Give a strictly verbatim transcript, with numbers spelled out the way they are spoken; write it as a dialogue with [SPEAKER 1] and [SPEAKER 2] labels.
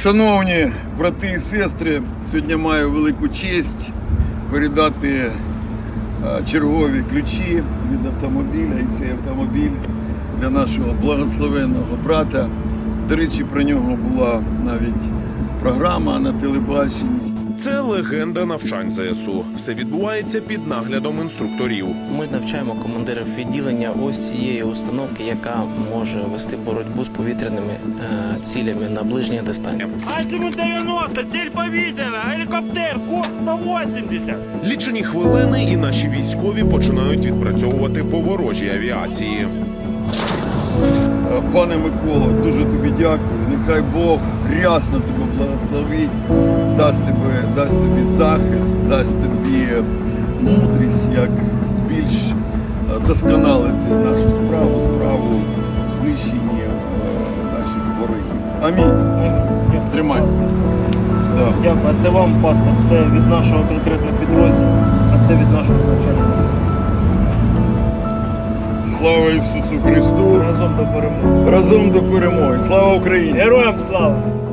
[SPEAKER 1] Шановні брати і сестри, сьогодні маю велику честь передати чергові ключі від автомобіля, і цей автомобіль для нашого благословенного брата. До речі, про нього була навіть програма на телебаченні.
[SPEAKER 2] Це легенда навчань ЗСУ. Все відбувається під наглядом інструкторів.
[SPEAKER 3] Ми навчаємо командирів відділення ось цієї установки, яка може вести боротьбу з повітряними е, цілями на ближніх дистанціях.
[SPEAKER 4] Азимут дев'яносто, ціль повітряна, гелікоптер, курс сто вісімдесят.
[SPEAKER 2] Лічені хвилини і наші військові починають відпрацьовувати по ворожій авіації.
[SPEAKER 1] Пане Миколо, дуже тобі дякую. Нехай Бог рясно тебе благословить, дасть тебе, дасть тобі захист, дасть тобі мудрість, як більш досконалити нашу справу, справу знищення наших ворогів. Амінь. Тримай. Да.
[SPEAKER 5] Дякую. А це вам, пастор. Це від нашого конкретного підрозділу, а це від нашого навчального центру.
[SPEAKER 1] Слава Ісусу Христу!
[SPEAKER 5] Разом до перемоги.
[SPEAKER 1] Разом до перемоги! Слава Україні!
[SPEAKER 5] Героям слава!